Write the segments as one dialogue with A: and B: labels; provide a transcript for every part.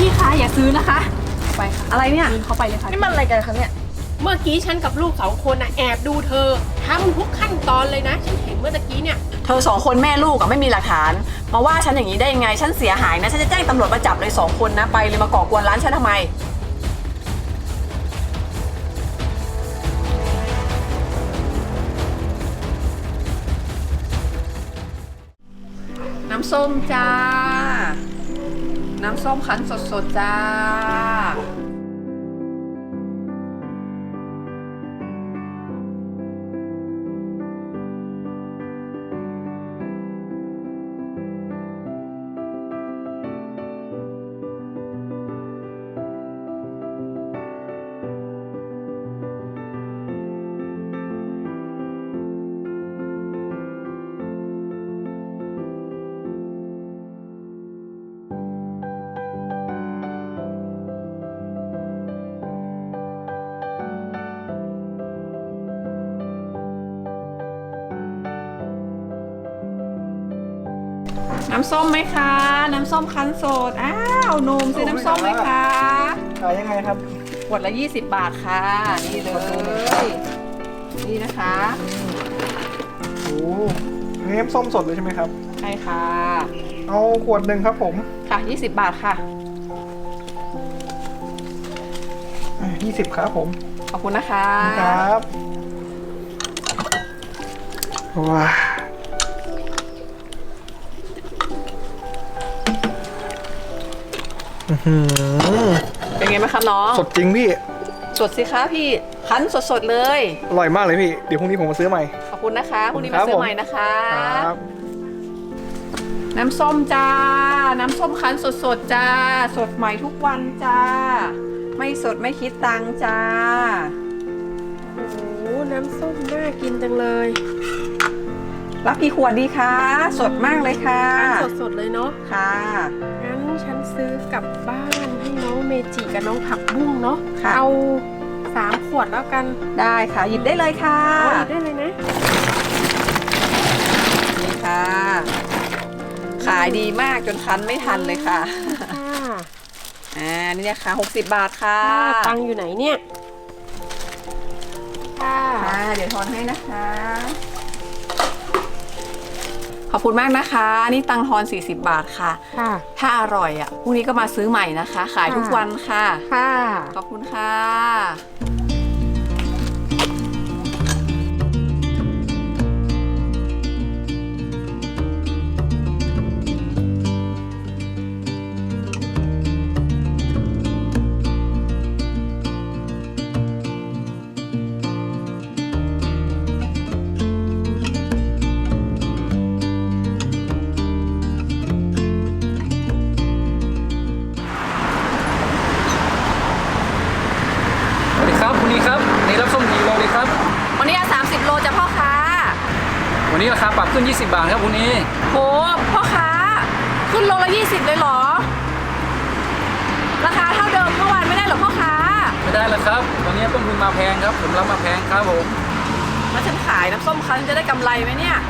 A: พี่คะอย่าซื้อนะคะไปค่ะ
B: อะไรเนี่ย
A: เดินเข้าไปเลยค่ะ
B: นี่มันอะไรกันคะเนี่ย
C: เมื่อกี้ฉันกับลูก2 คนแอบดูเธอทำทุกขั้นตอนเลยนะ ฉันเห็นเมื่อตะกี้เนี่ย
B: เธอ2 คนแม่ลูกอะไม่มีหลักฐาน มาว่าฉันอย่างนี้ได้ยังไง ฉันเสียหายนะ ฉันจะแจ้งตำรวจมาจับเลย2 คนนะ ไปเลยมาก่อกวนร้านฉันทำไม น้ำส้มจ้า น้ำส้มคั้นสดๆจ้า น้ำส้มไหมคะ น้ำส้มคั้นสด อ้าวหนุ่มซื้อน้ำส้มไหมคะ
D: ขายยังไงครับ
B: ขวดละ20 บาทค่ะ นี่เลย นี่นะคะ
D: โอ้อันนี้น้ำส้มสดเลยใช่ไหมครับ
B: ใช่ค่ะ
D: เอาขวดหนึ่งครับผม
B: ค่ะ20 บาทค่ะ
D: 20ครับผม
B: ขอบคุณนะคะ
D: ครับว้า
B: เป็นไงบ้างครับน้อง
D: สดจริงพี่
B: สดสิคะพี่ คั้นสดๆเลย
D: อร่อยมากเลยพี่ เดี๋ยวพรุ่งนี้ผมมาซื้อใหม่
B: ขอบคุณนะคะ พรุ่งนี้
D: ครั
B: มา
D: บ
B: ซื้อ
D: ผม
B: ใหม่นะคะ
D: ครับ
B: น้ำส้มจ้า น้ำส้มคั้นสดๆจ้า สดใหม่ทุกวันจ้า ไม่สดไม่คิดตังค์จ้า
C: โอ้โหน้ำส้มน่ากินจังเลย
B: รับกี่ขวดดีคะ สดมากเลยค่ะ
C: สดๆเลยเนาะ
B: ค่ะ
C: งั้นฉันซื้อกลับบ้านให้น้องเมจิกับน้องผักบุ้งเนาะ
B: ค่ะ
C: เอา3 ขวดแล้วกัน
B: ได้ค่ะ หยิบได้เลยค่ะ
C: เอาอีกได้เลยนะ
B: นี่ค่ะ ขายดีมากจนคั้นไม่ทันเลยค่ะ
C: ค่ะ
B: นี่นะคะ60 บาทค่ะ
C: ตังค์อยู่ไหนเนี่ย ค่ะ
B: ค่ะ เดี๋ยวทอนให้นะคะ ขอบคุณมากนะคะ นี่ตังค์ทอน40 บาทค่ะ
C: ค่ะ
B: ถ้าอร่อยพรุ่งนี้ก็มาซื้อใหม่นะคะ ขายทุกวันค่ะ
C: ค่ะ
B: ขอบคุณค่ะ
E: สวัสดีครับคุณนีครับนี่รับส้มกี่โลดีครับ
B: วันนี้30 โลจะพ่อค้า
E: วันนี้ราคาปรับขึ้น 20 บาทครับคุณนี
B: โห พ่อค้า ขึ้นโลละ20เลยเหรอ ราคาเท่าเดิมเมื่อวานไม่ได้เหรอพ่อค้า
E: ไม่ได้แล้วครับตอนนี้ต้นทุนมาแพงครับผมรับมาแพงครับผม
B: แล้วฉันขายน้ำส้มคั้นจะได้กำไรไหมเนี่ย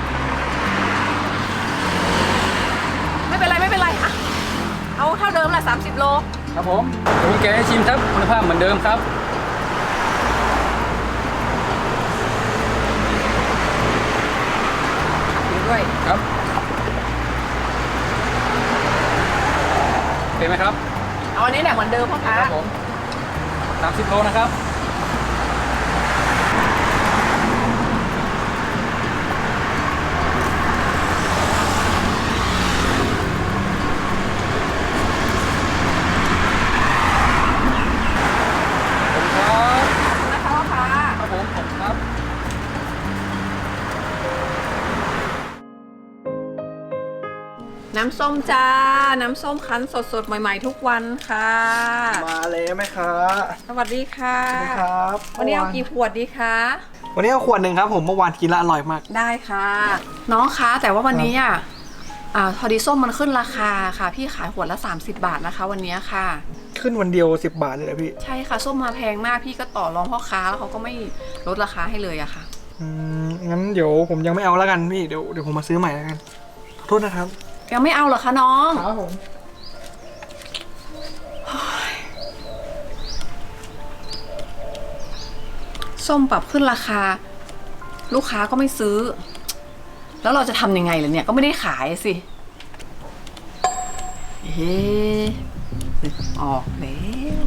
B: ไม่เป็นไรไม่เป็นไรอะเอาเท่าเดิมแหละ30 โล
E: ครับผมเดี๋ยวผมแกะให้ชิมครับคุณภาพเหมือนเดิมครับ
B: ดูด้วย
E: ครับเป็นไหมครับ
B: เอาอันนี้แหละเหมือนเดิมพ่อค้า
E: ครับผม30 โลนะครับขอบคุณครับ
B: นะคะพ่อค้า
E: ครับผมขอบคุณครับ
B: น้ำส้มจ้า น้ำส้มคั้นสดๆ ใหม่ๆ ทุกวันค่ะ
D: มาแล้วไหมครับ
B: สวัสดีค่ะ
D: สวัสดีครับ
B: วันนี้เอากี่ขวดดีคะ
D: วันนี้เอาขวดหนึ่งครับผม เมื่อวานกินแล้วอร่อยมาก
B: ได้ค่ะ น้องคะแต่ว่าวันนี้พอดีส้มมันขึ้นราคาค่ะ พี่ขายขวดละ30 บาทนะคะ วันนี้ค่ะ
D: ขึ้นวันเดียว10 บาทเลยนะพี่
B: ใช่ค่ะ ส้มมาแพงมากพี่ก็ต่อรองพ่อค้าแล้วเขาก็ไม่ลดราคาให้เลยอะค่ะ
D: งั้นเดี๋ยวผมยังไม่เอาแล้วกันพี่ เดี๋ยวผมมาซื้อใหม่แล้วกัน ขอโทษนะครับ
B: ยังไม่เอาเหรอคะน้อง
D: ครับผม
B: ส้มปรับขึ้นราคา ลูกค้าก็ไม่ซื้อ แล้วเราจะทำยังไงล่ะเนี่ยก็ไม่ได้ขายสิเฮ้นึกออกแล้ว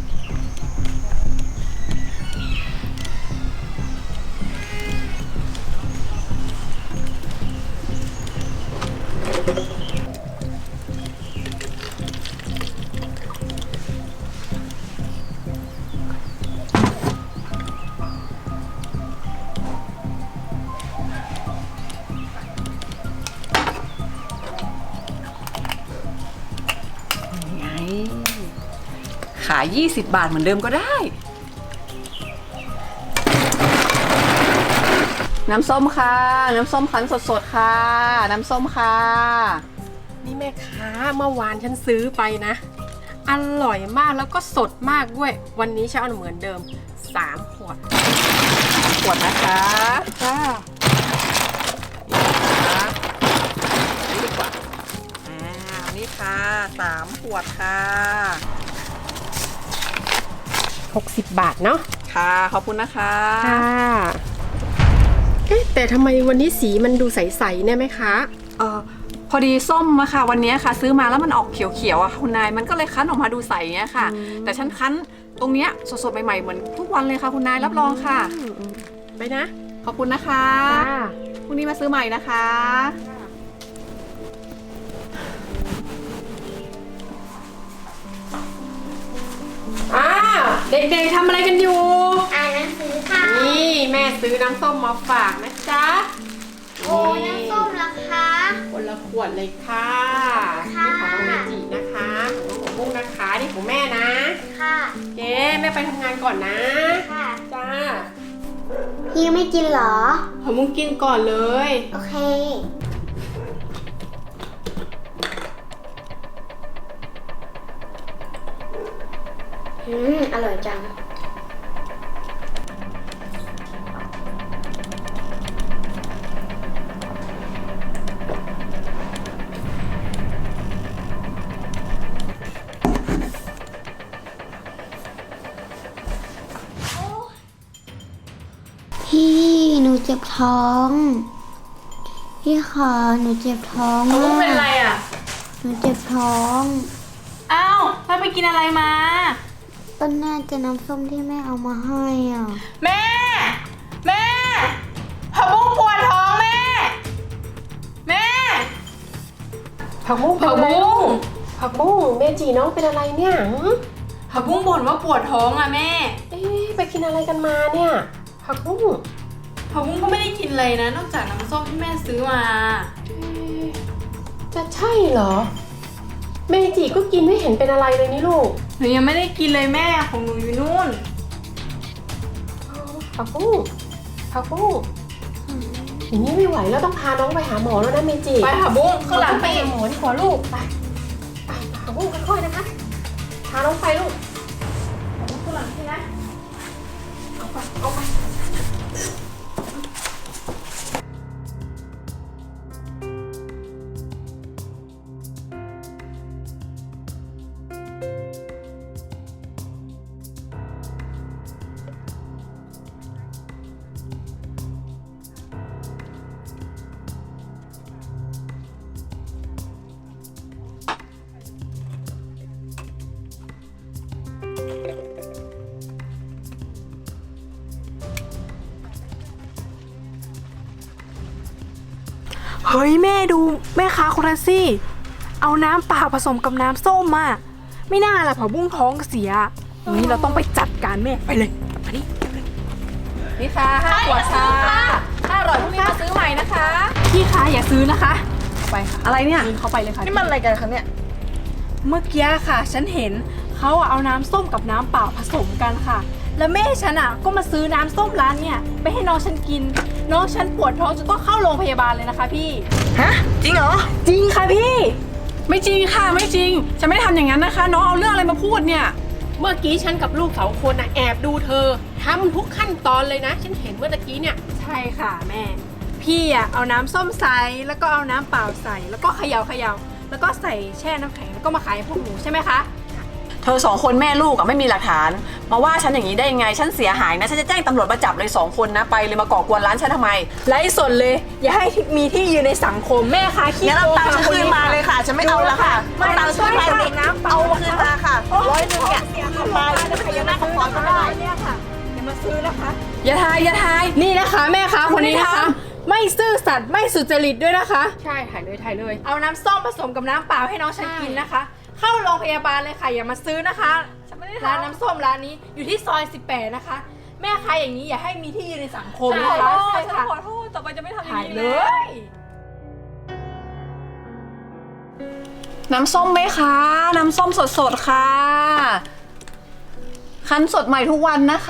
B: ไงขาย20 บาทเหมือนเดิมก็ได้ น้ำส้มค่ะ น้ำส้มคั้นสดๆค่ะ น้ำส้มค่ะ
C: นี่แม่ค้าเมื่อวานฉันซื้อไปนะ อร่อยมากแล้วก็สดมากด้วย วันนี้ฉันเอาเหมือนเดิม3 ขวด
B: ขวดนะคะจ้านี่ดีกว่านี่ค่ะ3 ขวดค่ะ
C: 60 บาทเนาะ
B: ค่ะขอบคุณนะคะ
C: ค่ะเอ๊ะแต่ทำไมวันนี้สีมันดูใสๆเนี่ยแม่ค้า
B: พอดีส้มอะค่ะ วันนี้ค่ะ ซื้อมาแล้วมันออกเขียวๆอะคุณนายมันก็เลยคั้นออกมาดูใสเนี้ยค่ะ แต่ฉันคั้นตรงเนี้ยสดๆใหม่ๆเหมือนทุกวันเลยค่ะคุณนายรับรองค่ะ
C: ไปนะ
B: ขอบคุณนะคะ
C: ค่ะ
B: พรุ่งนี้มาซื้อใหม่นะคะ
C: อ้าวเด็กๆทำอะไรกันอยู่
F: อ่านหนังสือค่ะ
C: นี่แม่ซื้อน้ำส้มมาฝากนะจ๊ะ
F: โอ้น้ำส้มราคา
C: คนละขวดเลยค่ะ
F: ค่ะ
C: นี่ของน้องเมจินะคะของบุ้งนะคะนี่ของแม่นะ
F: ค่ะ
C: เจ๊แม่ไปทำงานก่อนนะ
F: ค่ะ
C: จ้า
F: พี่ไม่กินเหรอ
C: ของบุ้งกินก่อนเลย
F: โอเค อร่อยจัง พี่หนูเจ็บท้อง พี่คะหนูเจ็บท้อง
A: ลูกเป็นอะไรอ่ะ
F: หนูเจ็บท้อง
A: อ้าวแล้วไปกินอะไรมา
F: ก็น่าจะน้ำส้มที่แม่เอามาให้อ่ะ
A: แม่ แม่ผักบุ้งปวดท้องแม่ แม่
C: ผักบุ้ง
A: ผักบุ้ง
C: ผักบุ้งเมจิน้องเป็นอะไรเนี่ยหืม
A: ผักบุ้งบ่นว่าปวดท้องอ่ะแม่
C: เอ๊ะไปกินอะไรกันมาเนี่ยผักบุ้ง
A: ผักบุ้งก็ไม่ได้กินเลยนะ นอกจากน้ำส้มที่แม่ซื้อมา
C: เอ๊ะจะใช่เหรอ เมจิก็กินไม่เห็นเป็นอะไรเลยนี่ลูก
A: หนูยังไม่ได้กินเลยแม่ของหนูอยู่นู่น
C: ผักบุ้งผักบุ้งอย่างนี้ไม่ไหวแล้วต้องพาน้องไปหาหมอแล้วนะเมจิ
A: ไปผักบุ้งข้างหลัง
C: ไป
A: ไปอี
C: หาก หมอดีกว่าลูกไปไปผักบุ้งค่อยๆนะคะพาน้องไปลูก
A: ข้างหลังใช่ไหม
C: เอาไป
G: เฮ้ยแม่ดูแม่ค้าคนนั้นสิเอาน้ำเปล่าผสมกับน้ำส้มมาไม่น่าล่ะผักบุ้งท้องเสียอย่างนี้เราต้องไปจัดการแม่ไปเลยมาดิ
B: นี่ค่ะ5 ขวดค่ะถ้าอร่อยพรุ่งนี้มาซื้อใหม่นะคะ
G: พี่คะอย่าซื้อนะคะ
B: ไปค่ะอะไรเนี่ย
G: กินเข้าไปเลยค่ะ
A: นี่มันอะไรกันคะเนี่ย
G: เมื่อกี้ค่ะ ฉันเห็นเขาอะเอาน้ำส้มกับน้ำเปล่าผสมกันค่ะ แล้วแม่ฉันอะก็มาซื้อน้ำส้มร้านเนี่ยไปให้น้องฉันกิน น้องฉันปวดท้องจนต้องเข้าโรงพยาบาลเลยนะคะพี่
A: ฮะ จริงเหรอ
G: จริงค่ะพี่
B: ไม่จริงค่ะไม่จริงฉันไม่ได้ทำอย่างนั้นนะคะ น้องเอาเรื่องอะไรมาพูดเนี่ย
C: เมื่อกี้ฉันกับลูก2 คนแอบดูเธอทำทุกขั้นตอนเลยนะ ฉันเห็นเมื่อตะกี้เนี่ย
G: ใช่ค่ะแม่ พี่อะเอาน้ำส้มใส่แล้วก็เอาน้ำเปล่าใส่แล้วก็เขย่าแล้วก็ใส่แช่น้ำแข็งแล้วก็มาขายให้พวกหนูใช่ไหมคะ
B: เธอ2 คนแม่ลูกอะไม่มีหลักฐานมาว่าฉันอย่างนี้ได้ยังไงฉันเสียหายนะฉันจะแจ้งตำรวจมาจับเลย2 คนนะไปเลยมาก่อกวนร้านฉันทำไม
G: ไร้สนเลย อย่าให้มีที่ยืนในสังคมแม่ค้าขี้
H: งั้น
G: โก
H: เอา
G: ง
H: ตังค์ฉันคืนมาเลยค่ะ ฉันไม่เอาแล้วค่ะ
G: ไม่
H: เอาตังค์ฉันคืนมา
G: ช่วย
H: นี่
G: น้ำเปล่า
H: เอาคืนมาค่ะ100เนี่ยคืนมาจะไปยังหน้าของฟอนก็ไม่ได้
G: เนี่ยค่ะอย่ามาซื้อนะคะ
B: อย่าทาย
G: นี่นะคะแม่ค้าคนนี้นะคะ ไม่ซื่อสัตย์ไม่สุจริตด้วยนะคะ
C: ใช่ถ่ายเลย
G: เอาน้ำส้มผสมกับน้ำเปล่าให้น้องฉันกินนะคะ เข้าโรงพยาบาลเลยค่ะอย่ามาซื้อนะคะร้านน้ำส้มร้านนี้อยู่ที่ซอย 18 นะคะ แม่ค้าอย่างนี้อย่าให้มีที่ยืนในสังคมนะคะ
B: ใช่
G: ใช่
B: ค่ะ
G: ค่ะ
B: ขอโทษต่อไปจะไม่ทำอย่าง
G: ถ่าย
B: นี้
G: เล
B: เลย
G: ย
B: น้ำส้มไหมคะน้ำส้มสดๆค่ะคั้นสดใหม่ทุกวันนะคะ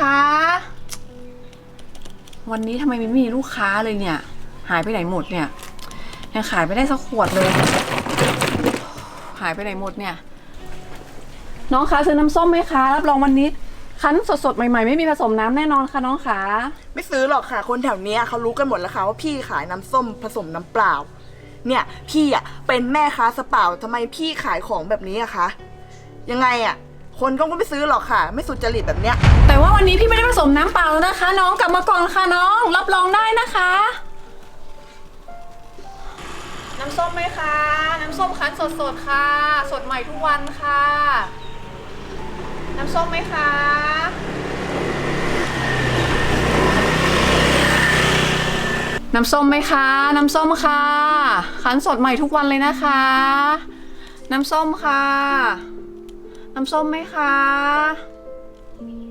B: วันนี้ทำไมไม่มีลูกค้าเลยเนี่ยหายไปไหนหมดเนี่ยยังขายไม่ได้สักขวดเลยหายไปไหนหมดเนี่ยน้องคะซื้อน้ำส้มไหมคะรับรองวันนี้คั้นสดๆใหม่ๆไม่มีผสมน้ำแน่นอนค่ะน้องคะ
H: ไม่ซื้อหรอกค่ะ คนแถวเนี้ยเขารู้กันหมดแล้วค่ะว่าพี่ขายน้ำส้มผสมน้ำเปล่า เนี่ยพี่อ่ะเป็นแม่ค้าสเปล่าทำไมพี่ขายของแบบนี้อะคะยังไงอ่ะคนก็ไม่ซื้อหรอกค่ะ ไม่สุจริตแบบเนี้ย
B: แต่ว่าวันนี้พี่ไม่ได้ผสมน้ำเปล่าแล้วนะคะ น้องกลับมาก่อนค่ะน้องรับรองได้นะคะ น้ำส้มไหมคะน้ำส้มคั้นสดๆค่ะ สดใหม่ทุกวันค่ะ น้ำส้มไหมคะน้ำส้มไหมคะน้ำส้มค่ะคั้นสดใหม่ทุกวันเลยนะคะ น้ำส้มค่ะน้ำส้มไหมคะ